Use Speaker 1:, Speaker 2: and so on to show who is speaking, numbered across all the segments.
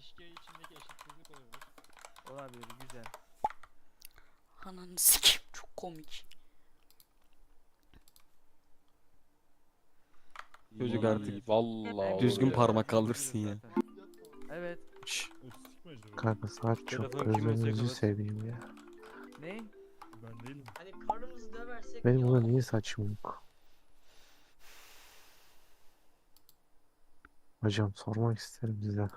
Speaker 1: ilişki içindeki eşitsizlik olabilir.
Speaker 2: Olabilir, güzel.
Speaker 3: Ananı sikeyim, çok komik.
Speaker 4: Çocuk
Speaker 2: İyi.
Speaker 4: artık vallahi
Speaker 2: Düzgün
Speaker 4: oluyor.
Speaker 2: parmak kaldırsın ya. Evet.
Speaker 4: Şşş,
Speaker 5: Kanka saat çok
Speaker 4: Telefon kiminse
Speaker 5: gözünüzü
Speaker 4: kapat.
Speaker 5: seveyim ya.
Speaker 2: Ne?
Speaker 1: Ben değilim.
Speaker 6: Hani karnımızı döversek
Speaker 5: Benim
Speaker 6: ya.
Speaker 5: burada niye saçım yok? Hocam sormak isterim size.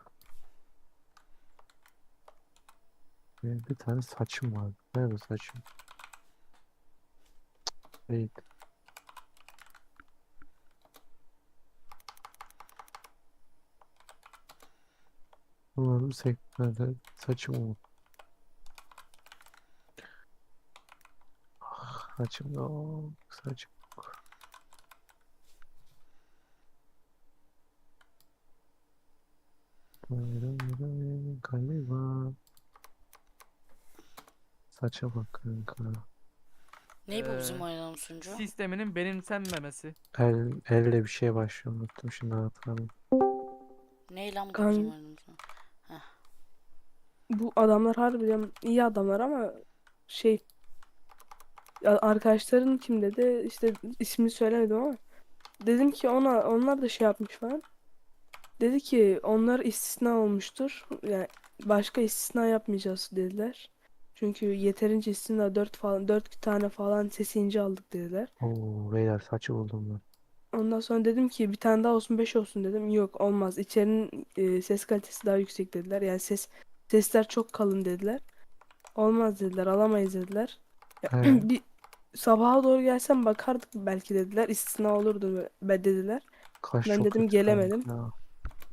Speaker 5: Benim bir tane saçım var. Nerede saçım? Değil. Umarım sektörde saçım olur. Ah, saçım yok. Saçım yok. Galiba. Saça bak kanka.
Speaker 3: Ne bu bizim
Speaker 2: Ee,
Speaker 3: oynadığımız sunucu?
Speaker 2: Sisteminin benimsenmemesi.
Speaker 5: Elle bir şeye başlıyor. Unuttum şimdi hatırladım.
Speaker 3: Ne lan bu
Speaker 7: Kan-
Speaker 3: bizim oynadığımız sunucu?
Speaker 7: Bu adamlar harbiden iyi adamlar ama şey arkadaşların kim dedi işte ismini söylemedim ama dedim ki onlar da şey yapmış falan. Dedi ki onlar istisna olmuştur. Yani başka istisna yapmayacağız dediler. Çünkü yeterince istisna 4 tane falan sesi ince aldık dediler.
Speaker 5: Oo beyler saçı buldum ben.
Speaker 7: Ondan sonra dedim ki bir tane daha olsun 5 olsun dedim. Yok olmaz. İçerinin ses kalitesi daha yüksek dediler. Yani sesler çok kalın dediler. Olmaz dediler. Alamayız dediler. Ya,
Speaker 5: He.
Speaker 7: bir sabaha doğru gelsem bakardık belki dediler. İstisna olurdu dediler.
Speaker 5: Kaş
Speaker 7: Ben
Speaker 5: çok
Speaker 7: dedim
Speaker 5: kötü
Speaker 7: gelemedim.
Speaker 5: kanka ya.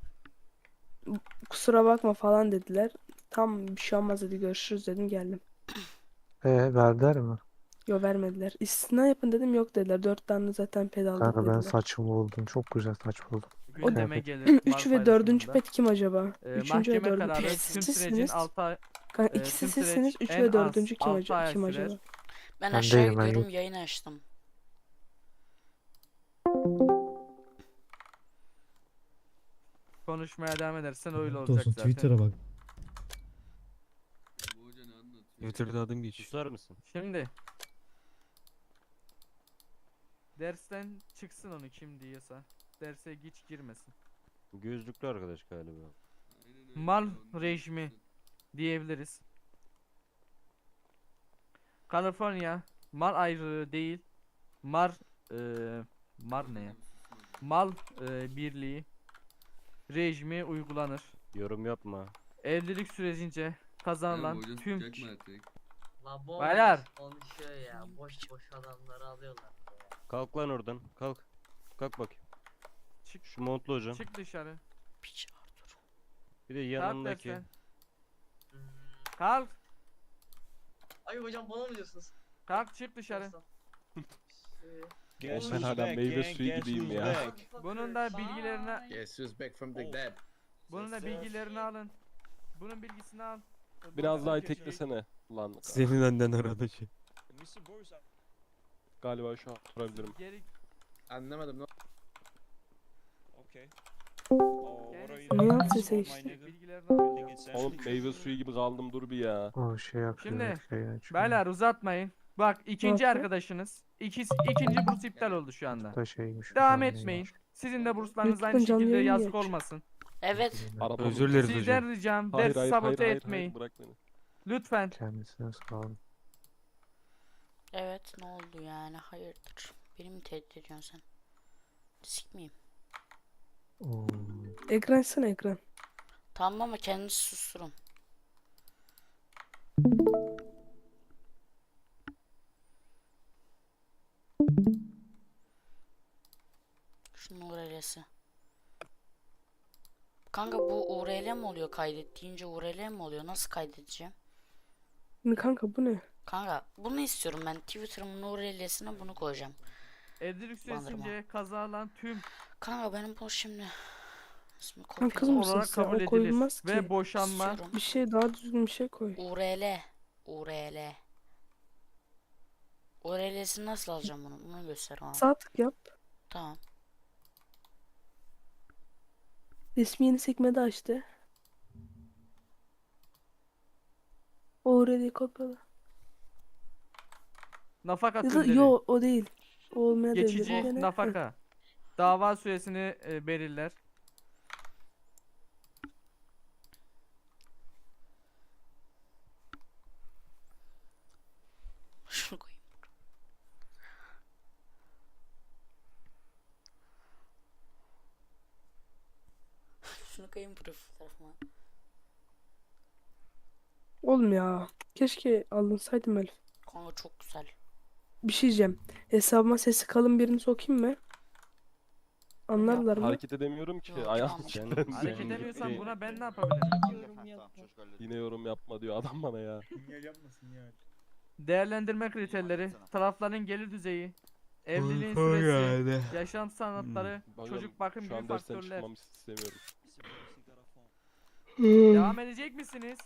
Speaker 7: Kusura bakma falan dediler. Tam bir şey olmaz dedi görüşürüz dedim geldim.
Speaker 5: Verdiler mi?
Speaker 7: Yo vermediler. İstisna yapın dedim yok dediler. 4 tane zaten ped aldık
Speaker 5: Kanka ben
Speaker 7: dediler.
Speaker 5: saçımı buldum. Çok güzel saç buldum.
Speaker 2: Gündeme
Speaker 5: Kıyafet.
Speaker 2: gelir.
Speaker 7: 3 ve 4. pet kim acaba? 3. ve
Speaker 2: Mahkeme
Speaker 7: 4.
Speaker 2: kararı
Speaker 3: Birisi
Speaker 2: tüm sürecin
Speaker 7: sizsiniz.
Speaker 2: 6 ay,
Speaker 7: Kanka ikisi
Speaker 2: tüm
Speaker 7: sizsiniz.
Speaker 2: süreç
Speaker 7: 3
Speaker 2: en
Speaker 7: ve
Speaker 2: az
Speaker 7: 4.
Speaker 2: 6 ay
Speaker 7: kim
Speaker 2: sürer.
Speaker 7: acaba?
Speaker 3: Ben
Speaker 5: Ben
Speaker 3: aşağı
Speaker 5: değilim, ben
Speaker 3: gidiyorum,
Speaker 5: yok.
Speaker 3: yayını açtım.
Speaker 2: Konuşmaya devam edersen öyle
Speaker 8: Lanet
Speaker 2: olacak
Speaker 8: olsun,
Speaker 2: zaten.
Speaker 8: Twitter'a bak.
Speaker 4: Twitter'da adım geçiyor.
Speaker 9: Susar mısın?
Speaker 2: Şimdi dersten çıksın onu kim diyorsa. Derse hiç girmesin.
Speaker 9: Gözlüklü arkadaş galiba.
Speaker 2: Mal rejimi diyebiliriz. Kaliforniya mal ayrılığı değil. Mar ne ya? Mal birliği rejimi uygulanır.
Speaker 9: Yorum yapma.
Speaker 2: Evlilik sürecince kazanılan tüm
Speaker 6: La bomboş
Speaker 2: Beyler.
Speaker 6: konuşuyor ya. Boş boş adamları alıyorlar ya.
Speaker 9: Kalk lan oradan. Kalk. Kalk bakayım.
Speaker 2: çık
Speaker 9: Şu montlu hocam.
Speaker 2: çık dışarı.
Speaker 3: Piç Arthur.
Speaker 9: Bir de
Speaker 2: Kalk
Speaker 9: yanındaki.
Speaker 2: dersen.
Speaker 6: Hmm.
Speaker 2: Kalk.
Speaker 6: Ay hocam bana mı diyorsunuz?
Speaker 2: Kalk çık dışarı.
Speaker 4: Oğlum ben hala meyve suyu gibiyim ya.
Speaker 2: Bunun da bilgilerini
Speaker 10: Guess who's back from the dead?
Speaker 2: bunun da bilgilerini alın. Bunun bilgisini al.
Speaker 4: Biraz daha teklesene lan.
Speaker 9: Senin önden arada şey.
Speaker 4: Galiba şu an oturabilirim.
Speaker 2: Geri
Speaker 10: Anlamadım.
Speaker 7: Ne yaptıysa işte.
Speaker 2: bilgilerini al.
Speaker 4: Oğlum meyve suyu gibi kaldım, dur bir ya.
Speaker 5: O şey yapıyor.
Speaker 2: Şimdi,
Speaker 5: Şey açıyor.
Speaker 2: Beyler uzatmayın. Bak ikinci
Speaker 7: yaptı?
Speaker 2: arkadaşınız. İkinci burs iptal oldu şu anda.
Speaker 5: Da şeymiş.
Speaker 2: Devam
Speaker 5: neymiş?
Speaker 2: etmeyin. Sizin de burslarınız
Speaker 7: Lütfen
Speaker 2: aynı
Speaker 7: canlı
Speaker 2: şekilde
Speaker 7: yayın
Speaker 2: yazık
Speaker 7: geç.
Speaker 2: olmasın.
Speaker 3: Evet.
Speaker 4: Araba
Speaker 9: Özür dileriz hocam.
Speaker 2: Sizden ricam
Speaker 4: Hayır
Speaker 2: ders
Speaker 4: hayır
Speaker 2: sabote
Speaker 4: hayır, hayır,
Speaker 2: etmeyin.
Speaker 4: hayır, bırak beni.
Speaker 2: Lütfen.
Speaker 5: Kendisine sağ olun.
Speaker 3: Evet, ne oldu yani, hayırdır? Beni mi tehdit ediyorsun sen? Sik miyim?
Speaker 5: Oo.
Speaker 7: Ekran açsana ekran.
Speaker 3: Tamam ama kendinizi susturun. Şunun URL'si. Kanka bu URL mi oluyor, kaydettiğince URL mi oluyor? Nasıl kaydedeceğim?
Speaker 7: Şimdi kanka bu ne?
Speaker 3: Kanka bunu istiyorum ben. Twitter'ımın URL'sine bunu koyacağım.
Speaker 2: Evlilik
Speaker 3: Bandırma.
Speaker 2: süresince kazanan tüm
Speaker 3: Kanka benim bu şimdi ismi
Speaker 7: Lan kız
Speaker 3: kopyala.
Speaker 7: mısın
Speaker 2: olarak
Speaker 7: sen?
Speaker 2: kabul
Speaker 7: O
Speaker 2: edilir.
Speaker 7: koyulmaz
Speaker 2: Ve
Speaker 7: ki.
Speaker 2: boşanma
Speaker 3: İstiyorum.
Speaker 7: Bir şey daha düzgün bir şey koy.
Speaker 3: URL. URL. URL'sini nasıl alacağım bunu? Bunu göster bana.
Speaker 7: Sağ tık yap. Already kopyala.
Speaker 2: Nafaka
Speaker 7: Ya da
Speaker 2: türleri.
Speaker 7: yo o değil. O olmayabilir.
Speaker 2: Geçici
Speaker 7: Bir tane-
Speaker 2: nafaka. Dava süresini belirler.
Speaker 3: Şunu koyayım. Şunu koyayım profil fotoğrafıma.
Speaker 7: Oğlum ya. Keşke alınsaydım Elif.
Speaker 3: Kanka çok güzel.
Speaker 7: Bir şey diyeceğim. Hesabıma sesi kalın birini sokayım mı? Anlarlar mı?
Speaker 4: Hareket edemiyorum ki.
Speaker 3: Yok,
Speaker 4: Ayağım
Speaker 3: tamam.
Speaker 4: kilitlendi.
Speaker 2: Hareket
Speaker 9: Sen
Speaker 2: edemiyorsan
Speaker 9: gitti.
Speaker 2: buna ben ne yapabilirim?
Speaker 4: Yine yorum yapma diyor adam bana ya.
Speaker 1: Sinyal yapma sinyal.
Speaker 2: Değerlendirme kriterleri, tarafların gelir düzeyi, evliliğin süresi, yaşam sanatları,
Speaker 4: Hocam,
Speaker 2: çocuk bakım
Speaker 4: şu
Speaker 2: gibi
Speaker 4: an dersten
Speaker 2: faktörler.
Speaker 4: çıkmamı istemiyorum.
Speaker 2: Devam edecek misiniz?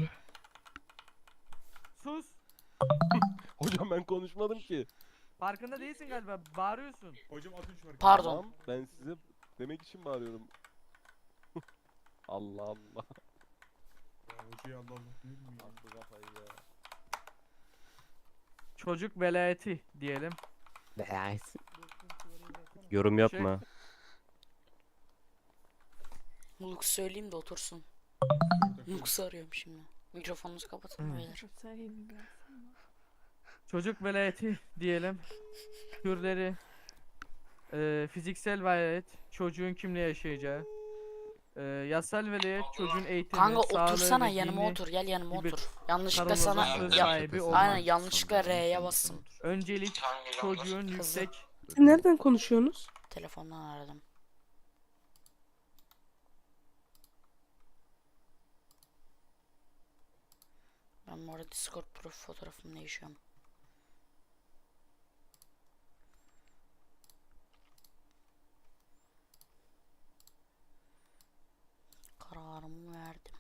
Speaker 2: Sus.
Speaker 4: Hocam ben konuşmadım ki.
Speaker 2: Farkında değilsin galiba. Bağırıyorsun.
Speaker 1: Hocam atın şu hareketi.
Speaker 3: Pardon.
Speaker 4: Tamam, ben size demek için bağırıyorum. Allah Allah.
Speaker 1: Ya hocaya Allah Allah diyor mu ya?
Speaker 4: Attı kafayı ya.
Speaker 2: Çocuk velayeti diyelim.
Speaker 9: Yorum yapma.
Speaker 3: Lux söyleyeyim de otursun. Lux'u arıyorum şimdi. Mikrofonunuzu kapatın beyler.
Speaker 2: Çocuk velayeti diyelim. Türleri, fiziksel velayet, çocuğun kimle yaşayacağı, yasal velayet, çocuğun eğitimi,
Speaker 3: Kanka
Speaker 2: sağlığı
Speaker 3: otursana
Speaker 2: ve
Speaker 3: yanıma
Speaker 2: dini
Speaker 3: otur. Gel yanıma
Speaker 2: gibi
Speaker 3: otur. Yanlışlıkla
Speaker 2: kararlı
Speaker 3: sana
Speaker 2: söz
Speaker 3: ya,
Speaker 2: sahibi olmak.
Speaker 3: aynen yanlışlıkla R'ye bastım.
Speaker 2: Öncelik çocuğun
Speaker 3: Kızı.
Speaker 2: yüksek
Speaker 7: Siz nereden konuşuyorsunuz?
Speaker 3: Telefondan aradım. Ben bu arada Discord profil fotoğrafımla yaşıyorum. Kararımı verdim.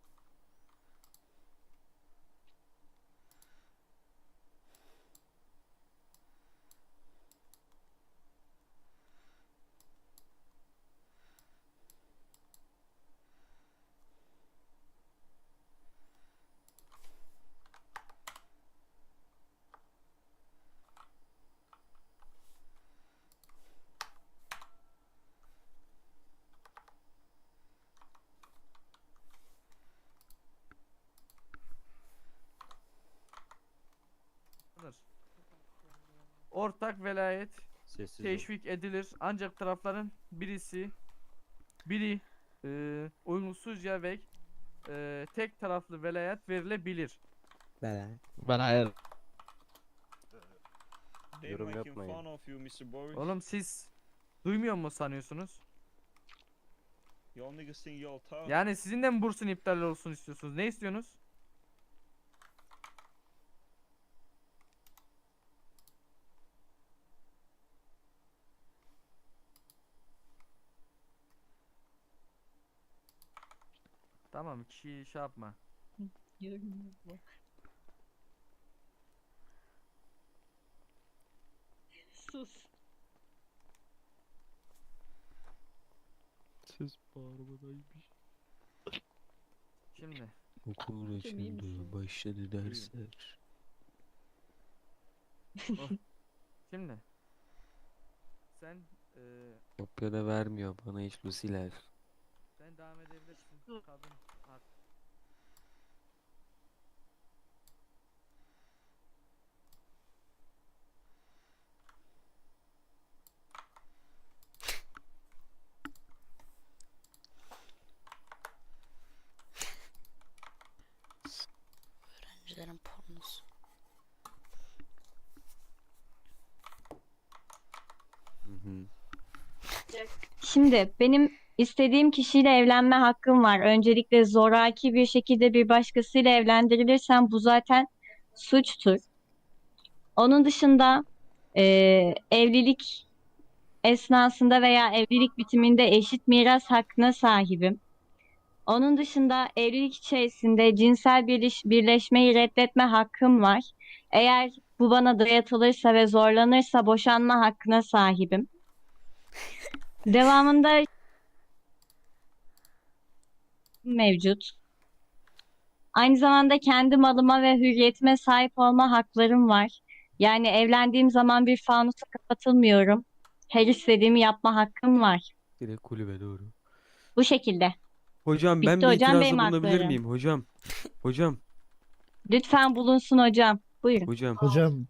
Speaker 2: ortak velayet
Speaker 9: Sessiz ol.
Speaker 2: teşvik edilir ancak tarafların biri uyumsuzca ve tek taraflı velayet verilebilir.
Speaker 9: Yorum yapmayın.
Speaker 2: Oğlum siz duymuyor mu sanıyorsunuz? Yani sizin de mi bursun iptal olsun istiyorsunuz? Ne istiyorsunuz? Tamam, kişi şey yapma.
Speaker 1: Sus.
Speaker 4: Ses bağırmadaymış.
Speaker 2: Şimdi
Speaker 5: Okul açıldı, başladı dersler.
Speaker 2: Şimdi sen
Speaker 5: Kopya da vermiyor bana hiç Lucy'ler.
Speaker 2: sen devam edebilirsin. Kadın hak.
Speaker 3: Öğrencilerin pornosu.
Speaker 8: Şimdi benim istediğim kişiyle evlenme hakkım var. Öncelikle zoraki bir şekilde bir başkasıyla evlendirilirsem bu zaten suçtur. Onun dışında evlilik esnasında veya evlilik bitiminde eşit miras hakkına sahibim. Onun dışında evlilik içerisinde cinsel birleşmeyi reddetme hakkım var. Eğer bu bana dayatılırsa ve zorlanırsa boşanma hakkına sahibim. Devamında mevcut. Aynı zamanda kendi malıma ve hürriyetime sahip olma haklarım var. Yani evlendiğim zaman bir fanusa kapatılmıyorum. Her istediğimi yapma hakkım var.
Speaker 9: Direkt kulübe doğru.
Speaker 8: Bu şekilde.
Speaker 9: Hocam ben
Speaker 8: Bitti
Speaker 9: bir
Speaker 8: hocam,
Speaker 9: itirazda
Speaker 8: benim
Speaker 9: bulunabilir
Speaker 8: haklarım.
Speaker 9: miyim hocam? Hocam,
Speaker 8: Lütfen bulunsun hocam. Buyurun.
Speaker 9: hocam.
Speaker 5: Hocam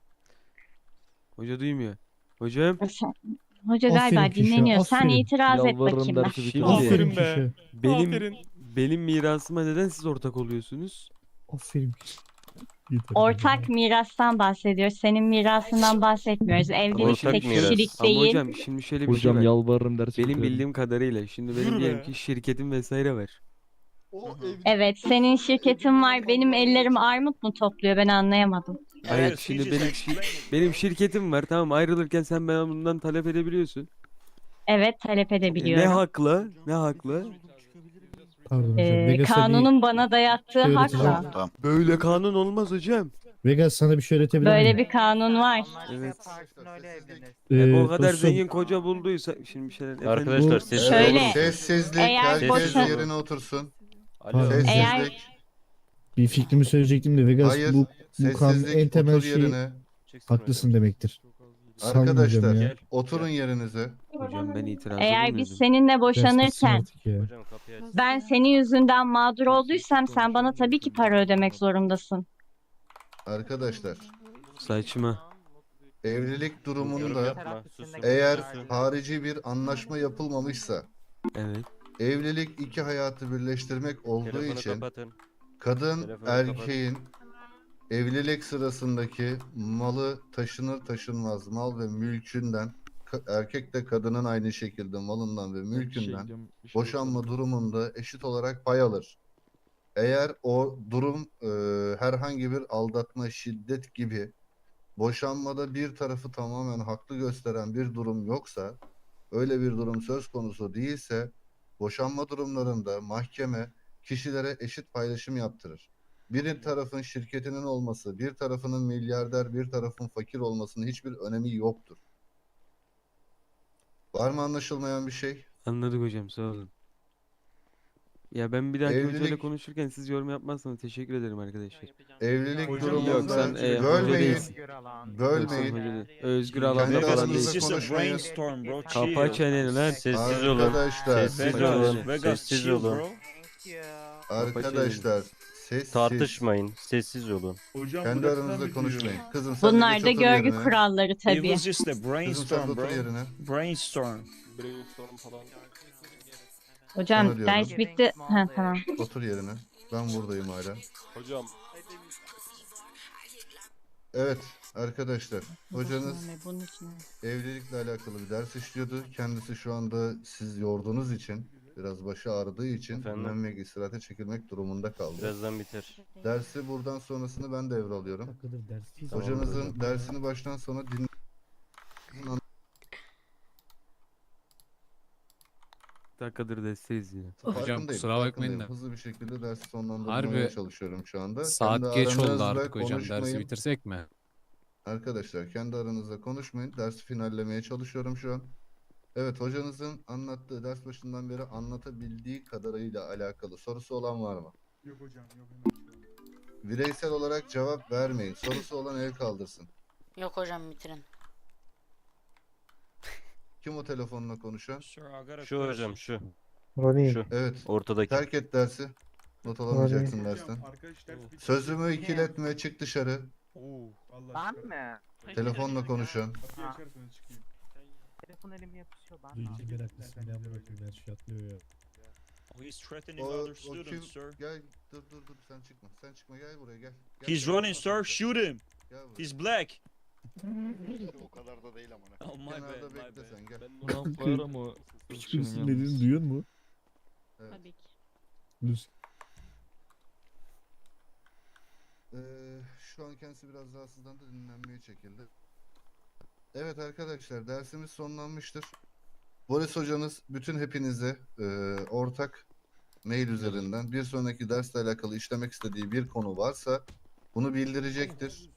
Speaker 9: Hoca duymuyor. Hocam.
Speaker 8: Hoca galiba
Speaker 5: Aferin Kişi,
Speaker 8: dinleniyor. Sen
Speaker 5: aferin.
Speaker 8: itiraz et
Speaker 4: Yalvarırım
Speaker 8: bakayım ben.
Speaker 4: dersi
Speaker 9: Şimdi-
Speaker 4: bitirsin.
Speaker 5: Aferin
Speaker 1: be.
Speaker 5: Kişi.
Speaker 9: Benim mirasıma neden siz ortak oluyorsunuz?
Speaker 5: Aferin Kişi. Yeter.
Speaker 8: Ortak mirastan bahsediyoruz. Senin mirasından bahsetmiyoruz. Evlilik
Speaker 9: Ortak
Speaker 8: tek
Speaker 9: miras.
Speaker 8: kişilik
Speaker 9: Ama
Speaker 8: değil.
Speaker 9: hocam şimdi şöyle bir şey
Speaker 4: Hocam
Speaker 9: var.
Speaker 4: yalvarırım dersi
Speaker 9: Benim
Speaker 4: bitirelim.
Speaker 9: bildiğim kadarıyla şimdi benim
Speaker 1: Yürü
Speaker 9: diyelim
Speaker 1: be.
Speaker 9: ki şirketim vesaire var.
Speaker 8: Evet, senin şirketin var. Benim ellerim armut mu topluyor? Ben anlayamadım.
Speaker 9: Hayır şimdi benim şirketim var, tamam, ayrılırken sen bana bundan talep edebiliyorsun.
Speaker 8: Evet, talep
Speaker 9: Ne
Speaker 8: edebiliyorum.
Speaker 9: hakla? Ne hakla?
Speaker 5: Pardon hocam. Vegas
Speaker 8: Kanunun bana dayattığı
Speaker 5: öğreteceğim.
Speaker 8: hakla.
Speaker 9: Böyle kanun olmaz hocam.
Speaker 5: Vegas sana bir şey öğretebilir
Speaker 8: Böyle
Speaker 5: miyim?
Speaker 8: bir kanun var.
Speaker 9: Evet. O kadar
Speaker 5: Dostum,
Speaker 9: zengin koca bulduysa şimdi bir şeyler efendim. Arkadaşlar
Speaker 5: Bu-
Speaker 9: sessiz
Speaker 8: Şöyle,
Speaker 9: olun.
Speaker 11: Sessizlik.
Speaker 8: eğer
Speaker 11: Herkes
Speaker 8: boşan-
Speaker 11: yerine otursun.
Speaker 5: Pardon.
Speaker 11: Sessizlik.
Speaker 8: Eğer-
Speaker 5: bir fikrimi söyleyecektim de Vegas
Speaker 11: Hayır.
Speaker 5: bu kanunun
Speaker 11: Sessizlik.
Speaker 5: en temel
Speaker 11: Otur
Speaker 5: şeyi
Speaker 11: yerine.
Speaker 5: haklısın demektir. Sanmayacağım
Speaker 11: Arkadaşlar
Speaker 5: ya.
Speaker 11: oturun yerinize.
Speaker 9: Hocam ben itirazda
Speaker 8: Eğer biz
Speaker 9: bulunuyordum.
Speaker 8: seninle
Speaker 5: Ders bitsin
Speaker 8: boşanırken
Speaker 5: artık ya.
Speaker 9: Hocam kapıyı aç.
Speaker 8: ben senin yüzünden mağdur olduysam sen bana tabii ki para ödemek zorundasın.
Speaker 11: Arkadaşlar
Speaker 9: Saçma.
Speaker 11: evlilik durumunda
Speaker 9: Yapma, susun.
Speaker 11: eğer harici bir anlaşma yapılmamışsa
Speaker 9: Evet.
Speaker 11: evlilik iki hayatı birleştirmek olduğu
Speaker 9: Telefonu
Speaker 11: için
Speaker 9: kapatın.
Speaker 11: kadın
Speaker 9: Telefonu
Speaker 11: erkeğin evlilik sırasındaki malı taşınır taşınmaz mal ve mülkünden erkek de kadının aynı şekilde malından ve mülkünden boşanma durumunda eşit olarak pay alır. Eğer o durum herhangi bir aldatma, şiddet gibi boşanmada bir tarafı tamamen haklı gösteren bir durum yoksa, öyle bir durum söz konusu değilse, boşanma durumlarında mahkeme kişilere eşit paylaşım yaptırır. Bir tarafın şirketinin olması, bir tarafının milyarder, bir tarafın fakir olmasının hiçbir önemi yoktur. Var mı anlaşılmayan bir şey?
Speaker 9: Anladık hocam, sağ olun. Ya ben bir dahaki hocayla
Speaker 11: Evlilik-
Speaker 9: konuşurken siz yorum yapmazsanız teşekkür ederim arkadaşlar.
Speaker 11: Evlilik
Speaker 1: Hocam
Speaker 11: durumunda
Speaker 9: yok, sen, hoca
Speaker 11: bölmeyin,
Speaker 9: değilsin.
Speaker 11: bölmeyin.
Speaker 9: Hoca değil. Özgür
Speaker 11: Kendi
Speaker 9: alanda falan
Speaker 11: aranızda
Speaker 9: değil.
Speaker 11: konuşmayın.
Speaker 9: Kapa çeneni lan.
Speaker 10: Sessiz olun.
Speaker 11: Arkadaşlar,
Speaker 10: Sessiz
Speaker 9: Vegas,
Speaker 10: olun.
Speaker 9: Vegas,
Speaker 10: Sessiz
Speaker 9: chill,
Speaker 10: olun.
Speaker 11: arkadaşlar sessiz.
Speaker 10: Tartışmayın. Sessiz olun.
Speaker 1: Hocam
Speaker 11: Kendi
Speaker 1: burası
Speaker 11: aranızda
Speaker 1: mı
Speaker 11: konuşmayın.
Speaker 1: diyor?
Speaker 11: Kızım sen de
Speaker 8: Bunlar
Speaker 11: geç
Speaker 8: da
Speaker 11: otur
Speaker 8: görgü
Speaker 11: yerine.
Speaker 8: kuralları
Speaker 12: It
Speaker 8: tabii.
Speaker 12: was just a
Speaker 11: Kızım sen de
Speaker 12: brainstorm,
Speaker 11: otur
Speaker 12: bro.
Speaker 11: yerine.
Speaker 12: Brainstorm.
Speaker 4: Brainstorm falan.
Speaker 11: Sana
Speaker 8: Hocam
Speaker 11: diyorum.
Speaker 8: ders bitti. Ha tamam.
Speaker 11: Otur yerine. Ben buradayım hala.
Speaker 4: Hocam
Speaker 11: Evet arkadaşlar. Hocanız
Speaker 8: Bunun için.
Speaker 11: evlilikle alakalı bir ders işliyordu. Kendisi şu anda siz yorduğunuz için, biraz başı ağrıdığı için
Speaker 9: Efendim?
Speaker 11: dinlenmek, istirahate çekilmek durumunda kaldı.
Speaker 9: Birazdan biter.
Speaker 11: Dersi buradan sonrasını ben devralıyorum.
Speaker 5: Dakikadır dersteyiz.
Speaker 11: Hocanızın dersini baştan sona
Speaker 9: Bir dakikadır desteğiz yine.
Speaker 11: Farkındayım,
Speaker 13: kusura bakmayın
Speaker 11: farkındayım.
Speaker 13: da.
Speaker 11: Hızlı bir şekilde dersi sonlandırmaya
Speaker 13: Harbi
Speaker 11: çalışıyorum şu anda.
Speaker 13: Saat
Speaker 11: Kendi
Speaker 13: geç oldu
Speaker 11: aranızda
Speaker 13: artık hocam. Dersi
Speaker 11: konuşmayın.
Speaker 13: bitirsek mi?
Speaker 11: Arkadaşlar kendi aranızda konuşmayın. Dersi finallemeye çalışıyorum şu an. Evet, hocanızın anlattığı, ders başından beri anlatabildiği kadarıyla alakalı sorusu olan var mı?
Speaker 1: Yok hocam yok. Hemen şu an.
Speaker 11: Bireysel olarak cevap vermeyin. Sorusu olan el kaldırsın.
Speaker 3: Yok hocam bitirin.
Speaker 11: Kim o telefonla konuşan?
Speaker 9: Şu hocam şu.
Speaker 5: Ronnie.
Speaker 9: Şu.
Speaker 11: Evet.
Speaker 9: Ortadaki.
Speaker 11: Terk et dersi. Not alamayacaksın
Speaker 1: Hocam,
Speaker 11: dersten.
Speaker 1: arkadaş ders bitti.
Speaker 11: Sözümü ikiletme, çık dışarı.
Speaker 1: Vallahi
Speaker 2: Ben
Speaker 1: çıkarım.
Speaker 2: mi?
Speaker 11: Telefonla konuşan.
Speaker 1: Kapıyı açarsanız çıkayım.
Speaker 2: Telefon elim yapışıyor ben.
Speaker 5: Duyunca meraklısın ya bırakayım her şey atlıyor ya.
Speaker 12: He's threatening
Speaker 11: O,
Speaker 12: other
Speaker 11: o kim?
Speaker 12: students, sir.
Speaker 11: Gel, dur sen çıkma. Sen çıkma, gel buraya gel. Gel,
Speaker 12: He's
Speaker 11: gel.
Speaker 12: running, sir. Shoot him.
Speaker 11: Gel buraya.
Speaker 12: He's black.
Speaker 11: O kadar da değil amına.
Speaker 12: Oh, my bad,
Speaker 11: Kenarda
Speaker 12: my
Speaker 11: bekle
Speaker 12: bad.
Speaker 11: sen gel.
Speaker 4: ben buna koyar ama
Speaker 5: Hiçbirisinin dediğini duyuyor mu?
Speaker 11: Evet.
Speaker 8: Tabii ki.
Speaker 5: Lütfen.
Speaker 11: Şu an kendisi biraz rahatsızlandı, dinlenmeye çekildi. Evet arkadaşlar, dersimiz sonlanmıştır. Boris hocanız bütün hepinize ortak mail üzerinden bir sonraki dersle alakalı işlemek istediği bir konu varsa bunu bildirecektir.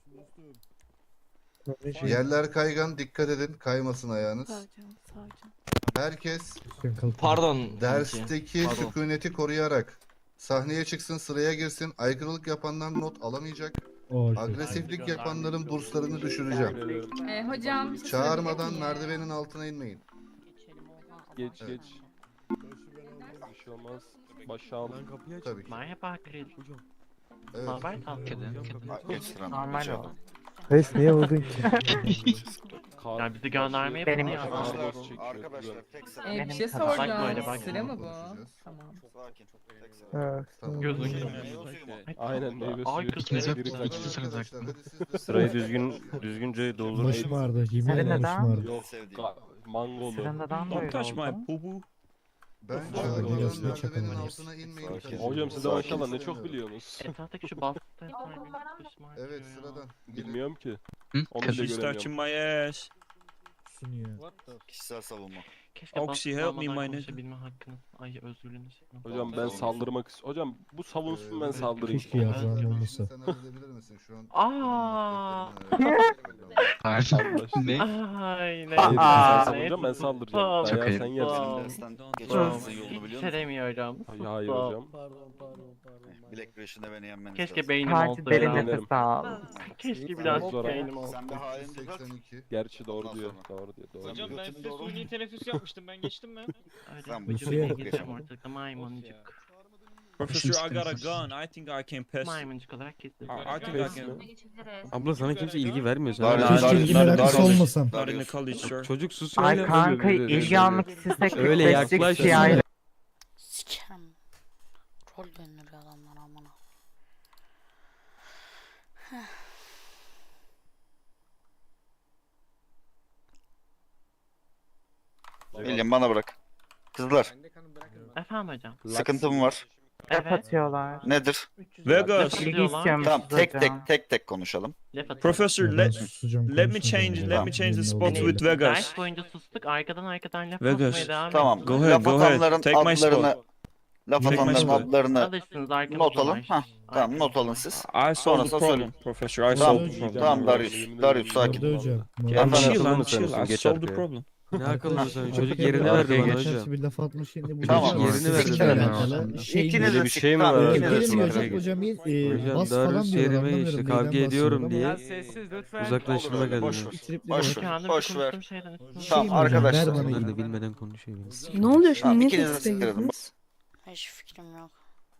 Speaker 11: Yerler kaygan, dikkat edin, kaymasın ayağınız. Herkes
Speaker 5: Lütfen kalk.
Speaker 10: Pardon.
Speaker 11: dersteki
Speaker 10: Pardon.
Speaker 11: sükuneti koruyarak sahneye çıksın, sıraya girsin. Aykırılık yapanlar not alamayacak. Agresiflik yapanların burslarını düşüreceğim.
Speaker 13: Hocam.
Speaker 11: Çağırmadan merdivenin altına inmeyin.
Speaker 4: Geç
Speaker 11: Evet.
Speaker 4: geç. Bir şey olmaz. Başı al.
Speaker 9: Lan kapıyı aç.
Speaker 11: Tabii ki.
Speaker 6: Merhaba Chris.
Speaker 11: Evet.
Speaker 6: Normal o.
Speaker 5: Reis niye vurdun ki?
Speaker 6: Ya bizi göndermeye
Speaker 4: Benim
Speaker 13: Bir
Speaker 6: Benim
Speaker 13: şey
Speaker 6: kafam
Speaker 13: soracağım.
Speaker 6: böyle bak.
Speaker 13: Sıra mı bu?
Speaker 11: Konuşacağız.
Speaker 13: Tamam.
Speaker 5: Ha,
Speaker 11: Tamam.
Speaker 6: Gözün
Speaker 4: Aynen meyve
Speaker 6: Ay,
Speaker 4: suyu.
Speaker 6: kız, evet.
Speaker 4: Biri kaçtı.
Speaker 11: Arkadaşlar, hadi siz de
Speaker 10: Sırayı düzgünce doldur.
Speaker 5: Başım ağrıdı. Yemin
Speaker 6: Senin
Speaker 5: ederim
Speaker 6: neden?
Speaker 5: başım ağrıdı.
Speaker 4: Yok. Mangolu.
Speaker 12: Don't touch my poo poo.
Speaker 11: Ben
Speaker 5: Hadi
Speaker 11: çağırmadan
Speaker 5: gelsin,
Speaker 11: merdivenin
Speaker 5: çakalım.
Speaker 11: altına inmeyin.
Speaker 10: Sakin.
Speaker 4: Hocam size maşallah ne çok biliyorsunuz.
Speaker 6: Etraftaki şu bastı.
Speaker 11: Evet, sıradan. Gelin.
Speaker 4: Bilmiyorum ki. Onu bile
Speaker 12: She's
Speaker 4: göremiyorum.
Speaker 12: touching my ass.
Speaker 10: Kişisel savunma.
Speaker 6: Keşke
Speaker 12: Oxy,
Speaker 6: bastı
Speaker 12: help me,
Speaker 6: almadan
Speaker 12: my nigga.
Speaker 6: konuşabilme hakkınız. Ay özgürlüğünüz.
Speaker 4: Hocam ben saldırmak istiyorum. Hocam bu savunsun ben saldırayım.
Speaker 5: Keşke yaprağım olmasa.
Speaker 11: Sen halledebilir misin şu an?
Speaker 6: Aa.
Speaker 4: Anlaştık.
Speaker 6: Ay
Speaker 4: Hayır,
Speaker 6: ne?
Speaker 4: sen
Speaker 6: Aa,
Speaker 4: savunacağım ben saldıracağım.
Speaker 6: Çok
Speaker 4: Dayağı sen yersin.
Speaker 6: Tamam.
Speaker 10: Dersten
Speaker 6: Hiç
Speaker 10: geçmemizin yolunu biliyor musun?
Speaker 6: sevmiyorum.
Speaker 4: Hayır hocam.
Speaker 10: Bilek güreşinde beni yenmeniz
Speaker 6: Keşke
Speaker 10: lazım.
Speaker 6: beynim olsa ya.
Speaker 4: nefes
Speaker 6: al. Keşke biraz
Speaker 4: Zor ama.
Speaker 6: beynim olsa.
Speaker 10: Sen bir halini düzelt.
Speaker 11: 82.
Speaker 4: Gerçi doğru
Speaker 10: Ondan
Speaker 4: diyor.
Speaker 10: sonra.
Speaker 4: Doğru diyor. Doğru
Speaker 10: Hocam,
Speaker 4: diyor.
Speaker 10: ben size suni
Speaker 12: teneffüs yapmıştım, ben geçtim mi?
Speaker 10: Sen bu
Speaker 6: Vücudu
Speaker 5: Nasıl
Speaker 6: geçeceğim
Speaker 10: yani?
Speaker 6: ortalıkta maymuncuk.
Speaker 12: Professor, I got a gun. I think I can pass.
Speaker 6: Maymuncuk olarak kesin.
Speaker 12: I think I can.
Speaker 9: Abla sana kimse ilgi vermiyor. Sen
Speaker 10: Dar-
Speaker 5: Keşke
Speaker 10: dar-
Speaker 5: ilgi
Speaker 10: dar-
Speaker 5: meraklısı
Speaker 10: dar-
Speaker 5: olmasam.
Speaker 12: Not in the
Speaker 10: Darius.
Speaker 12: college, sir.
Speaker 9: çocuk susuyor. Öyle
Speaker 6: istesek
Speaker 9: Öyle yaklaş.
Speaker 3: Sikerim. Rol döndürüyor adamlar amına.
Speaker 10: William bana bırak. Kızlar,
Speaker 6: Efendim hocam.
Speaker 10: sıkıntım var.
Speaker 6: Evet.
Speaker 13: atıyorlar.
Speaker 10: Nedir?
Speaker 12: Vegas.
Speaker 6: İlgi istiyorum.
Speaker 10: Tamam, tek konuşalım.
Speaker 12: Professor,
Speaker 5: Ben
Speaker 12: let
Speaker 5: susacağım,
Speaker 12: let me
Speaker 5: konuşmayacağım
Speaker 12: change
Speaker 5: ya.
Speaker 12: let me change the
Speaker 5: Benim
Speaker 12: spot
Speaker 5: olduğum
Speaker 12: with
Speaker 5: yerde.
Speaker 12: Vegas.
Speaker 6: Ders boyunca sustuk. Arkadan laf
Speaker 12: Vegas.
Speaker 6: atmaya devam
Speaker 10: Tamam.
Speaker 6: ettik.
Speaker 12: Go ahead,
Speaker 10: Laf
Speaker 12: go ahead.
Speaker 10: atanların
Speaker 12: Take my
Speaker 10: adlarını,
Speaker 12: spot.
Speaker 10: laf
Speaker 12: Take my
Speaker 10: atanların
Speaker 12: spot.
Speaker 10: adlarını
Speaker 6: Alırsınız arkamızda
Speaker 10: not alın.
Speaker 6: var.
Speaker 10: Hah, tamam not alın siz.
Speaker 12: I solved the
Speaker 10: Sonrasında
Speaker 12: problem,
Speaker 10: söyleyeyim.
Speaker 12: Professor. I
Speaker 10: Tamam,
Speaker 12: solved the problem.
Speaker 10: tamam Darius. Darius sakin.
Speaker 5: Orada hocam.
Speaker 10: Efendim,
Speaker 12: Chill,
Speaker 4: akıllı
Speaker 12: I'm
Speaker 4: mısın?
Speaker 12: chill. I
Speaker 4: Geç
Speaker 12: solved the
Speaker 4: arkaya.
Speaker 12: problem.
Speaker 9: Ne akıllı sen çocuk
Speaker 5: Arkada
Speaker 9: yerini
Speaker 5: bir
Speaker 9: verdi bana
Speaker 5: arkaya
Speaker 9: hocam.
Speaker 5: bir laf atmış şimdi bu
Speaker 10: Tamam.
Speaker 5: çocuğa
Speaker 9: Yerini verdi
Speaker 5: sikle
Speaker 9: bana.
Speaker 5: alakalı şey
Speaker 10: İkiniz
Speaker 4: Öyle
Speaker 10: de
Speaker 4: bir şey mi
Speaker 10: tamam,
Speaker 4: var?
Speaker 10: ikiniz de
Speaker 5: Gelin
Speaker 10: sikle.
Speaker 5: hocam
Speaker 9: Hocam
Speaker 5: bas falan
Speaker 9: Darius
Speaker 5: diyorlar
Speaker 9: yerime
Speaker 5: anlamıyorum
Speaker 9: işte
Speaker 5: neyden
Speaker 9: kavga
Speaker 5: bahsediyor
Speaker 9: ediyorum
Speaker 5: ama
Speaker 9: diye
Speaker 2: Biraz sessiz lütfen.
Speaker 9: uzaklaştırmak
Speaker 10: Olur öyle,
Speaker 9: adına.
Speaker 10: boş ver.
Speaker 5: tripleri
Speaker 10: Boş
Speaker 5: var.
Speaker 10: ver.
Speaker 6: Kendim
Speaker 10: Boş ver.
Speaker 6: konuştuğum şeyden üstüne.
Speaker 5: Şey mi
Speaker 10: Tamam
Speaker 5: hocam,
Speaker 10: arkadaşlar.
Speaker 5: ver bana
Speaker 9: Ben de
Speaker 5: ilgi.
Speaker 9: bilmeden konuşuyor.
Speaker 7: Ne oluyor şimdi?
Speaker 10: Tamam,
Speaker 7: Niye
Speaker 10: ikiniz de
Speaker 7: teste
Speaker 10: siktirin.
Speaker 7: girdiniz?
Speaker 3: Hiç fikrim yok.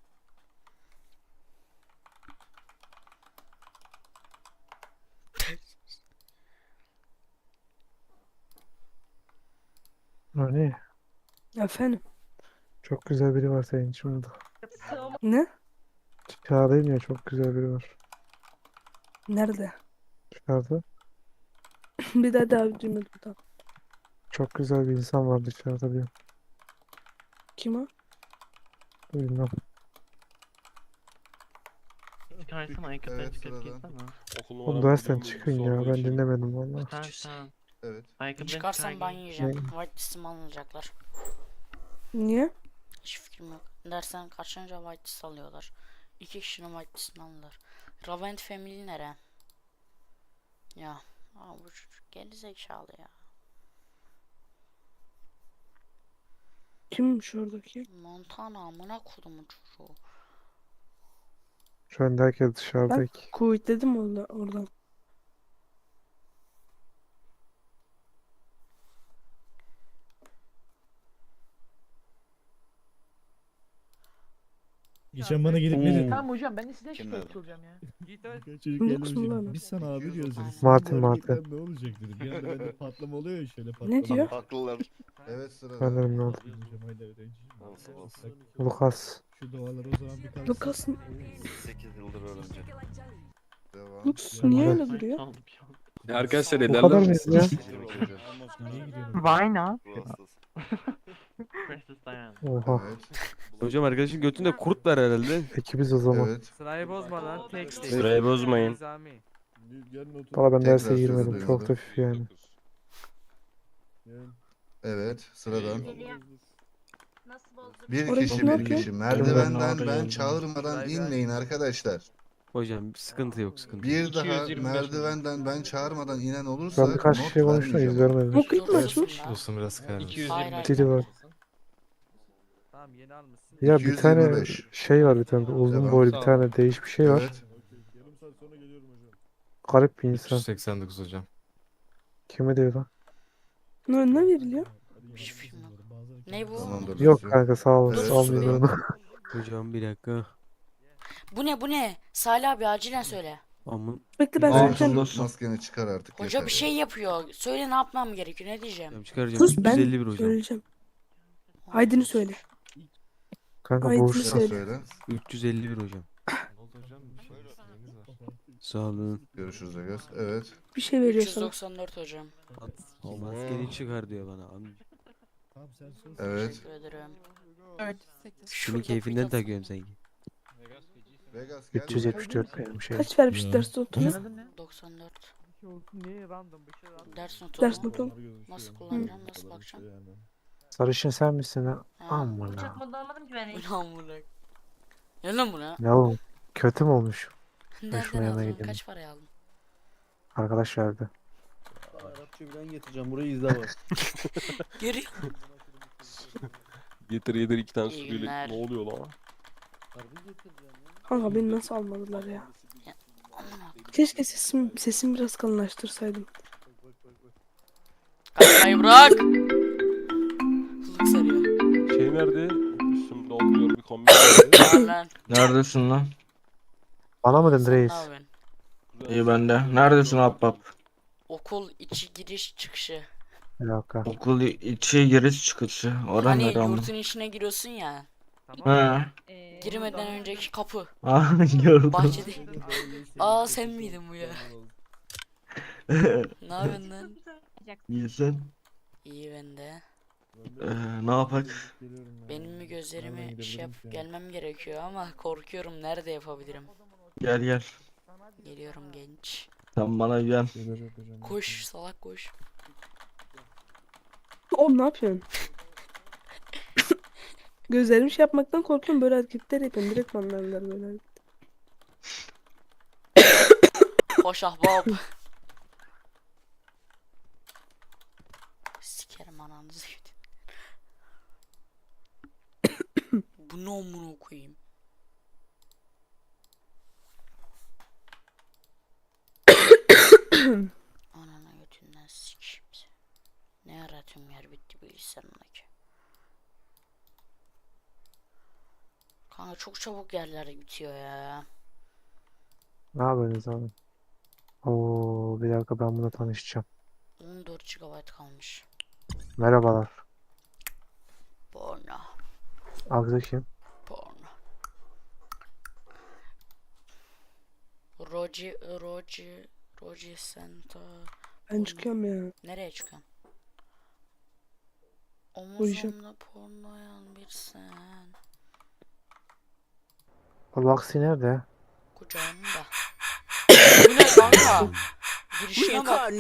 Speaker 5: Ne?
Speaker 7: Efendim?
Speaker 5: Çok güzel biri var senin için burada.
Speaker 7: Ne?
Speaker 5: Dışarıdayım ya çok güzel biri var.
Speaker 7: Nerede?
Speaker 5: Dışarıda.
Speaker 7: Bir daha duymadım da.
Speaker 5: Çok güzel bir insan var dışarıda bir.
Speaker 7: Kim o?
Speaker 5: Bilmem.
Speaker 6: Çıkarsana ayakkabıları
Speaker 11: Evet,
Speaker 6: çıkıp
Speaker 11: sıradan.
Speaker 6: giysene.
Speaker 4: Okul
Speaker 5: Oğlum
Speaker 4: numaram
Speaker 5: dersten
Speaker 4: biliyor
Speaker 5: çıkın
Speaker 4: musun?
Speaker 5: ya
Speaker 4: Sorduğu
Speaker 5: ben
Speaker 4: için.
Speaker 5: dinlemedim valla.
Speaker 6: Sen.
Speaker 11: Evet.
Speaker 6: Ayakkabıları
Speaker 3: Çıkarsam
Speaker 6: çıkar
Speaker 3: ben
Speaker 6: giy.
Speaker 3: yiyeceğim.
Speaker 5: Ne?
Speaker 3: White list'imi alacaklar.
Speaker 7: Niye?
Speaker 3: Hiç fikrim yok. Dersten kaçınca white list alıyorlar. 2 kişinin white list'ini aldılar. Ravent Family nere? Ya. Aa, bu çocuk geri zekalı ya.
Speaker 7: Kimmiş oradaki?
Speaker 3: Montana amına kodumun çocuğu.
Speaker 5: Şu anda herkes dışarıda ki.
Speaker 7: Kuvvet dedim oradan.
Speaker 5: Geçen bana gelip ne dedi?
Speaker 12: Tamam
Speaker 13: hocam ben de size
Speaker 10: Kim dedi?
Speaker 13: şikayet olacağım ya.
Speaker 2: Git öyle.
Speaker 5: Çocuk
Speaker 7: Ne
Speaker 5: geldi
Speaker 7: kusura
Speaker 5: hocam.
Speaker 7: bakma.
Speaker 5: Biz sana abi diyoruz.
Speaker 3: Aynen.
Speaker 5: Sizin Martin, bu
Speaker 7: Martin.
Speaker 5: hareketler Ne olacak dedi. Bir anda bende patlama oluyor ya şöyle patlama.
Speaker 7: Ne diyor?
Speaker 10: Haklılar.
Speaker 11: Evet, sıradan.
Speaker 5: Ben de ne oldu?
Speaker 10: Nasıl olsun?
Speaker 5: Lucas. Şu duaları o zaman bir kalsın.
Speaker 7: Lucas
Speaker 10: 8 yıldır öğrenci.
Speaker 11: Devam.
Speaker 7: Lucas niye öyle duruyor?
Speaker 4: Arkadaşlar
Speaker 5: Bu
Speaker 4: ederler
Speaker 5: kadar
Speaker 4: misiniz?
Speaker 5: mıyız ya?
Speaker 11: Evet.
Speaker 5: Niye gidiyorum?
Speaker 13: Why not?
Speaker 10: Ruh hastası.
Speaker 6: Precious Diana.
Speaker 5: Oha.
Speaker 9: Hocam arkadaşın götünde kurt var herhalde.
Speaker 5: Ekibiz o zaman.
Speaker 11: Evet.
Speaker 2: Sırayı bozma lan. Tek tek.
Speaker 10: Sırayı bozmayın.
Speaker 2: Nizami.
Speaker 5: Valla ben
Speaker 11: Tekrar
Speaker 5: derse
Speaker 11: sözü
Speaker 5: girmedim.
Speaker 11: duymadım.
Speaker 5: Çok da hafif yani.
Speaker 11: Evet, sıradan. Bir
Speaker 7: Orası
Speaker 11: kişi
Speaker 7: ne
Speaker 11: bir
Speaker 7: yapıyor?
Speaker 11: kişi. Merdivenden ben çağırmadan inmeyin arkadaşlar.
Speaker 9: Hocam sıkıntı yok sıkıntı.
Speaker 11: Bir daha merdivenden ben çağırmadan inen olursa
Speaker 5: Ben birkaç
Speaker 11: not
Speaker 5: kişiye konuştum
Speaker 11: vermeyeceğim.
Speaker 5: yüz vermedim.
Speaker 7: O kayıt mı açmış?
Speaker 3: Dostum biraz kayar.
Speaker 5: Dili var.
Speaker 2: Tamam yeni almışsın.
Speaker 5: Ya bir tane
Speaker 11: 225.
Speaker 5: şey var, bir tane uzun
Speaker 11: Devam.
Speaker 5: boylu bir tane değiş bir şey var.
Speaker 11: Evet.
Speaker 5: Garip bir insan.
Speaker 14: 389 hocam.
Speaker 5: Kime diyor lan?
Speaker 7: Ne veriliyor?
Speaker 3: Hiçbir fikrim yok. Ne bu?
Speaker 11: Tamamdır.
Speaker 5: Yok
Speaker 11: Lucio.
Speaker 5: kanka sağ ol.
Speaker 11: Evet.
Speaker 5: Almıyorum onu.
Speaker 9: Hocam bir dakika.
Speaker 3: Bu ne? Salih abi acilen söyle.
Speaker 9: Amın.
Speaker 7: Bekle ben
Speaker 11: Tamam,
Speaker 7: söyleyeceğim.
Speaker 11: maskeni çıkar artık.
Speaker 3: Hoca
Speaker 11: yeter
Speaker 3: bir
Speaker 11: ya.
Speaker 3: şey yapıyor. Söyle ne yapmam gerekiyor? Ne diyeceğim?
Speaker 9: Hocam çıkaracağım.
Speaker 7: Sus ben
Speaker 9: 351 hocam.
Speaker 7: söyleyeceğim. Aydın'ı söyle.
Speaker 5: Kanka
Speaker 7: Aydın'ı
Speaker 5: boşta.
Speaker 11: Sen
Speaker 7: söyle.
Speaker 11: söyle.
Speaker 9: 351 hocam.
Speaker 14: Ne oldu hocam? Bir şeyiniz var.
Speaker 9: Sağ olun.
Speaker 11: Görüşürüz Agaz. Evet.
Speaker 7: Bir şey veriyor sana.
Speaker 3: 394 hocam.
Speaker 9: O maskeni çıkar diyor bana.
Speaker 11: Evet.
Speaker 3: Teşekkür ederim.
Speaker 9: Şunu keyfinden takıyorum sanki.
Speaker 11: Vegas gel.
Speaker 5: 374 benim şey.
Speaker 7: Kaç vermiş ders notunu?
Speaker 3: 94.
Speaker 2: Bir şey olsun niye random bir şey random.
Speaker 3: Ders notu
Speaker 7: Ders
Speaker 3: mu?
Speaker 7: notu.
Speaker 3: Nasıl kullanacağım? Nasıl bakacağım?
Speaker 5: Sarışın sen misin ha?
Speaker 3: Ha.
Speaker 5: Aman
Speaker 6: Uçak
Speaker 5: ha.
Speaker 6: modu almadım ki ben hiç.
Speaker 3: Ulan bu ne? Ne lan bu ne?
Speaker 5: Ne oğlum? Kötü mü olmuş?
Speaker 3: Nereden
Speaker 5: şuna yana
Speaker 3: aldın?
Speaker 5: gidelim.
Speaker 3: Kaç paraya aldın?
Speaker 5: Arkadaş verdi.
Speaker 4: Arapça bilen getireceğim. Burayı izle bak.
Speaker 3: Görüyor
Speaker 4: Getir 2 tane
Speaker 3: İyi
Speaker 4: sürüyle.
Speaker 3: günler.
Speaker 4: Ne oluyor lan?
Speaker 7: Kanka beni nasıl almadılar ya?
Speaker 3: Aman
Speaker 7: Keşke sesimi biraz kalınlaştırsaydım.
Speaker 3: Kaçmayı bırak. Hızlık sarıyor.
Speaker 4: Şey nerede? Üstümde olmuyor bir kombin nerede?
Speaker 3: Lan.
Speaker 14: Neredesin lan?
Speaker 5: Bana mı dedin
Speaker 3: Sen ne
Speaker 5: reis?
Speaker 3: yapıyorsun?
Speaker 14: İyi bende. Neredesin Ahbap?
Speaker 3: Okul içi giriş çıkışı.
Speaker 5: Bir dakika.
Speaker 14: Okul içi giriş çıkışı. Orada
Speaker 3: Hani
Speaker 14: nere ama?
Speaker 3: yurtun içine giriyorsun ya.
Speaker 14: He.
Speaker 3: Girmeden önceki kapı.
Speaker 14: Gördüm.
Speaker 3: Bahçede. Aa sen miydin bu ya? Ne yapıyorsun lan?
Speaker 14: İyisin.
Speaker 3: İyi ben de.
Speaker 14: Ne yapak?
Speaker 3: Benim mi gözlerimi şey yap gelmem gerekiyor ama korkuyorum. Nerede yapabilirim?
Speaker 14: Gel gel.
Speaker 3: Geliyorum genç.
Speaker 14: Sen bana gel.
Speaker 3: Koş salak koş.
Speaker 7: Oğlum ne yapıyorsun? Gözlerimi şey yapmaktan korkuyorum, böyle hareketler yapıyorum. Direkt banlarlar böyle.
Speaker 3: Koş ahbap. Sikerim ananızı gidin. Bu ne amına koyayım? Anana götünden sikeyim seni. Ne yaratıyorum yer bitti bilgisayarımdaki. Kanka çok çabuk yerler bitiyor ya.
Speaker 5: Ne yapıyorsunuz abi? Oo, bir dakika ben bununla tanışacağım.
Speaker 3: 14 GB kalmış.
Speaker 5: Merhabalar.
Speaker 3: Porno.
Speaker 5: Agza kim?
Speaker 3: Porno. Roji Santa.
Speaker 7: Ben çıkıyorum ya.
Speaker 3: Nereye çıkıyorsun?
Speaker 7: Uyuyacağım.
Speaker 3: Omuzumda pornoyan bir sen.
Speaker 5: O Vaksi nerede?
Speaker 3: Kucağımda. Bu ne kanka? Girişine bak.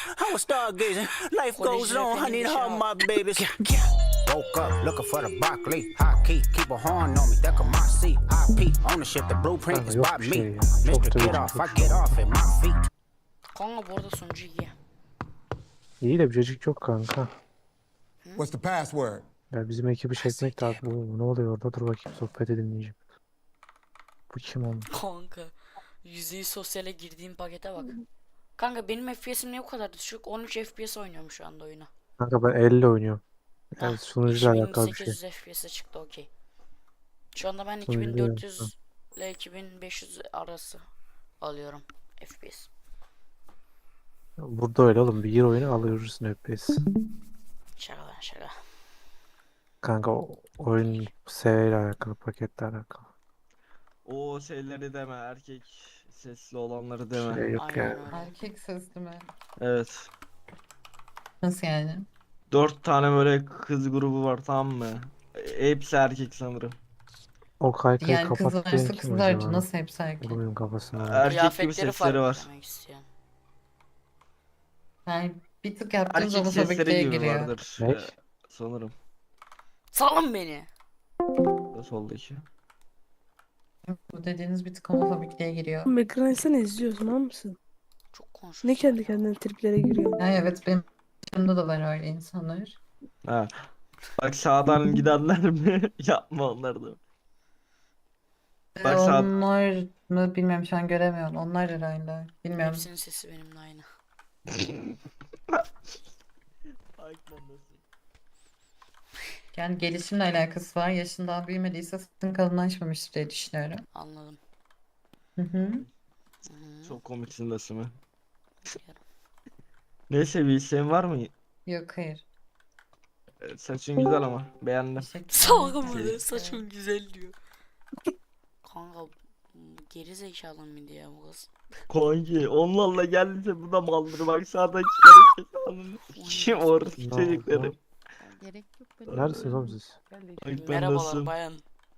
Speaker 15: Woke up looking for the broccoli. High key, keep a horn on me. That could my seat. IP ownership, the blueprint
Speaker 5: Kanka
Speaker 15: is
Speaker 5: yok
Speaker 15: by
Speaker 5: bir şey
Speaker 15: me.
Speaker 5: ya. Çok
Speaker 15: Mr.
Speaker 5: da
Speaker 15: Get off, I get off at my feet.
Speaker 3: Kanka bu arada sonucu iyi.
Speaker 5: İyi de bir cacık yok kanka.
Speaker 15: What's the password?
Speaker 5: Ya bizim ekibi çekmek lazım. Oo, ne oluyor orada? Dur bakayım, sohbet dinleyeceğim. Bu kim oğlum?
Speaker 3: Kanka. %100 sosyale girdiğim pakete bak. Kanka benim FPS'im niye bu kadar düşük? 13 FPS oynuyorum şu anda oyunu.
Speaker 5: Kanka ben 50 oynuyorum. Yani
Speaker 3: Hah,
Speaker 5: sunucuyla alakalı bir şey.
Speaker 3: 2800 FPS'e çıktı okey. Şu anda ben
Speaker 5: Sunucuyla
Speaker 3: 2400 ile 2500 arası alıyorum FPS.
Speaker 5: Burada öyle oğlum. Bir gir oyunu alıyoruz FPS.
Speaker 3: Şaka lan şaka.
Speaker 5: Kanka oyun seviyeyle alakalı, paketle alakalı.
Speaker 14: O şeyleri deme. Erkek sesli olanları deme.
Speaker 5: Şey yok
Speaker 3: Aynen
Speaker 5: yani.
Speaker 3: öyle.
Speaker 13: Erkek sesli mi?
Speaker 14: Evet.
Speaker 13: Nasıl yani?
Speaker 14: 4 tane böyle kız grubu var, tamam mı? Hepsi erkek sanırım.
Speaker 5: O kaykayı
Speaker 13: Yani
Speaker 5: kapat diyen
Speaker 13: kızlarsa
Speaker 5: kim
Speaker 13: kızlarca
Speaker 5: acaba?
Speaker 13: nasıl hepsi erkek?
Speaker 5: Vurmayayım kafasına.
Speaker 14: Erkek gibi
Speaker 3: Kıyafetleri
Speaker 14: sesleri
Speaker 3: farklı
Speaker 14: var.
Speaker 3: demek istiyorum.
Speaker 13: Yani bir tık yaptığınız
Speaker 14: Erkek
Speaker 13: homofobikliğe
Speaker 14: sesleri gibi
Speaker 13: giriyor.
Speaker 14: vardır.
Speaker 5: Ne?
Speaker 14: Sanırım.
Speaker 3: Salın beni.
Speaker 14: Da soldaki.
Speaker 13: Bu dediğiniz bir tık homofobikliğe giriyor.
Speaker 7: Oğlum ekran etsene, izliyorsun tamam mısın?
Speaker 3: Çok konuşuyorsun.
Speaker 7: Ne kendi kendine triplere giriyor.
Speaker 13: Yani evet benim yanımda da var öyle insanlar.
Speaker 14: Ha. Bak sağdan gidenler mi? Yapma onları da. Bak sağ...
Speaker 13: Onlar mı bilmiyorum şu an göremiyorum. Onlar herhalde. Bilmiyorum.
Speaker 3: Hepsinin sesi benimle aynı.
Speaker 13: Yani gelişimle alakası var. Yaşından büyümediyse sırtın kalınlaşmamıştır diye düşünüyorum.
Speaker 3: Anladım.
Speaker 13: Hı hı.
Speaker 14: Çok komiksin Nasım'ı. Neyse bir isteğin var mı?
Speaker 13: Yok hayır.
Speaker 14: Saçın güzel ama beğendim.
Speaker 3: Salgın mı?
Speaker 14: Şey-
Speaker 3: Saçım güzel diyor. Kanka geri zekalı mıydı ya bu kız?
Speaker 14: Kanki onlarla geldiyse bu da maldır bak sağdan çıkarak ananı kim orası
Speaker 5: Ne
Speaker 14: çocukları.
Speaker 5: oldu?
Speaker 6: Gerek yok
Speaker 5: Neredesiniz oğlum siz?
Speaker 14: Ay ben
Speaker 3: Merhabalar
Speaker 14: nasıl?
Speaker 3: bayan.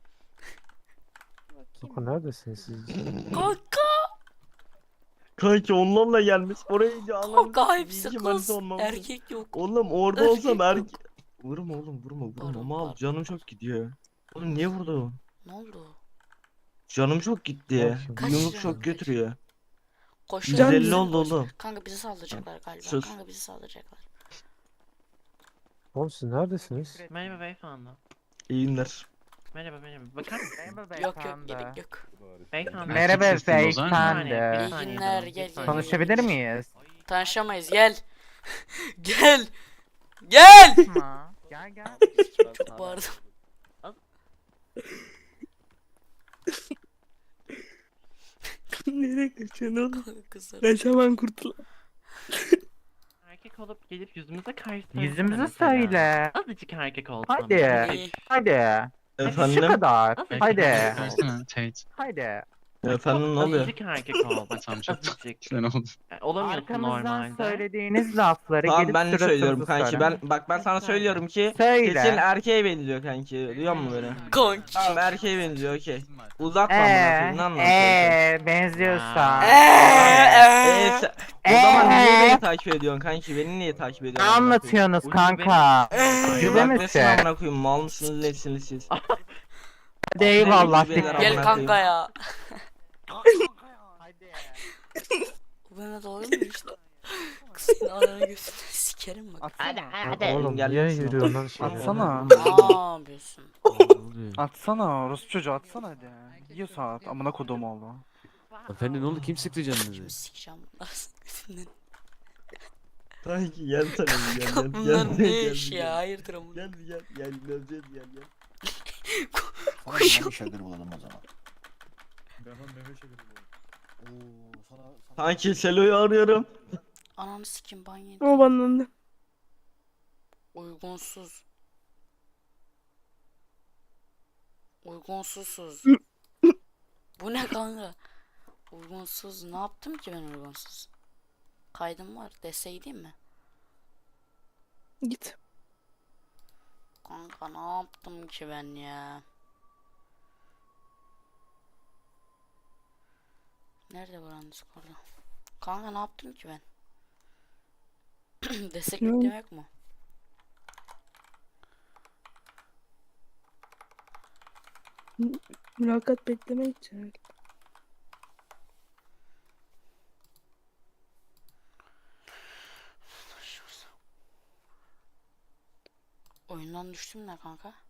Speaker 5: Kanka neredesiniz siz?
Speaker 3: Kanka.
Speaker 14: Kanki onlarla gelmiş oraya iyice
Speaker 3: Kanka hepsi
Speaker 14: İyice
Speaker 3: kız.
Speaker 14: manita olmam lazım.
Speaker 3: Erkek yok.
Speaker 14: Oğlum orada
Speaker 3: Erkek
Speaker 14: olsam
Speaker 3: yok.
Speaker 14: Vurma oğlum vurma
Speaker 3: Pardon,
Speaker 14: mal
Speaker 3: pardon.
Speaker 14: canım çok gidiyor. Oğlum niye vurdu?
Speaker 3: Ne oldu?
Speaker 14: Canım çok gitti.
Speaker 5: Bakayım.
Speaker 3: Kaç
Speaker 14: Yumruk
Speaker 3: canın
Speaker 14: çok
Speaker 3: kaç?
Speaker 14: götürüyor.
Speaker 3: Koşuyor.
Speaker 14: 150 oldu oğlum.
Speaker 3: Kanka bizi saldıracaklar galiba.
Speaker 14: Sus.
Speaker 3: Kanka bizi saldıracaklar.
Speaker 5: Oğlum siz neredesiniz?
Speaker 6: Merhaba beyefendi.
Speaker 14: İyi günler.
Speaker 6: Merhaba. Bakar mısın? Merhaba
Speaker 3: Yok gerek yok.
Speaker 6: Beyefendi.
Speaker 2: Merhaba beyefendi.
Speaker 3: İyi günler gel gel.
Speaker 2: Konuşabilir miyiz?
Speaker 3: Tanışamayız gel. Gel. Gel.
Speaker 2: Gel gel.
Speaker 3: Çok bağırdım.
Speaker 7: Nereye kaçıyorsun oğlum?
Speaker 3: Kızlar.
Speaker 7: Kaçaman kurtul.
Speaker 6: Erkek olup gelip yüzümüze karşı
Speaker 2: Yüzümüze söyle.
Speaker 6: Azıcık erkek ol.
Speaker 2: Hadi.
Speaker 3: İyi.
Speaker 2: Hadi. Şu
Speaker 14: Efendim?
Speaker 2: kadar. Hadi.
Speaker 12: Tate.
Speaker 2: Hadi.
Speaker 14: Efendim ne oluyor?
Speaker 6: Azıcık erkek ol. Azıcık.
Speaker 12: Ne oldu?
Speaker 6: Olamıyorsun
Speaker 2: Arkamızdan
Speaker 6: normalde.
Speaker 2: söylediğiniz lafları
Speaker 14: Tamam
Speaker 2: gelip
Speaker 14: ben de söylüyorum
Speaker 2: suratımıza
Speaker 14: kanki.
Speaker 2: söyle.
Speaker 14: Ben sana söylüyorum ki
Speaker 2: Söyle.
Speaker 14: kesin erkeğe benziyor kanki. Duyuyor musun beni?
Speaker 3: Kanki.
Speaker 14: Tamam erkeğe benziyor okey. Uzatma amına koyayım ne anlatıyorsun?
Speaker 2: Benziyorsa.
Speaker 14: O zaman niye beni takip ediyorsun kanki? Beni niye takip
Speaker 2: Ne
Speaker 14: ediyorsun? amına koyayım?
Speaker 2: anlatıyorsunuz kanka? Cübe
Speaker 14: Bak desin
Speaker 2: misin?
Speaker 14: amına koyayım mal mısınız nesiniz siz?
Speaker 2: Hadi eyvallah.
Speaker 14: Cübeler
Speaker 2: dikkat.
Speaker 14: amına
Speaker 3: Gel
Speaker 14: koyayım.
Speaker 3: kanka ya. Bu bana doğru mu işte? Kız senin ananı götüne sikerim bak.
Speaker 5: Oğlum
Speaker 14: Gel
Speaker 5: niye
Speaker 14: misin?
Speaker 5: yürüyorsun lan şey?
Speaker 2: Atsana.
Speaker 3: Ne yapıyorsun?
Speaker 2: Atsana. Orospu çocuğu atsana hadi. Yiyor saat. Amına kodum oldu.
Speaker 9: Efendim ne oldu kim sıktı canınızı?
Speaker 3: Şimdi sikeceğim bunları götünden.
Speaker 14: Kanki gel sana bir gel gel.
Speaker 3: Bunlar ne iş ya? Hayırdır amına.
Speaker 14: Gel gel gel gel.
Speaker 3: Koşun.
Speaker 1: Ben onu meme şekeri
Speaker 14: Kanki Selo'yu arıyorum.
Speaker 3: Ananı sikim ban yedi.
Speaker 7: O bana
Speaker 3: Uygunsuz. Uygunsuzsuz. Bu ne kanka? Uygunsuz. Ne yaptım ki ben uygunsuz? Kaydım var. Deseydim mi?
Speaker 7: Git.
Speaker 3: Kanka ne yaptım ki ben ya? Nerede buranın Discord'u? Kanka ne yaptım ki ben? Destek
Speaker 7: Ne?
Speaker 3: beklemek mu?
Speaker 7: Mülakat bekleme için.
Speaker 3: Oyundan düştüm ne kanka?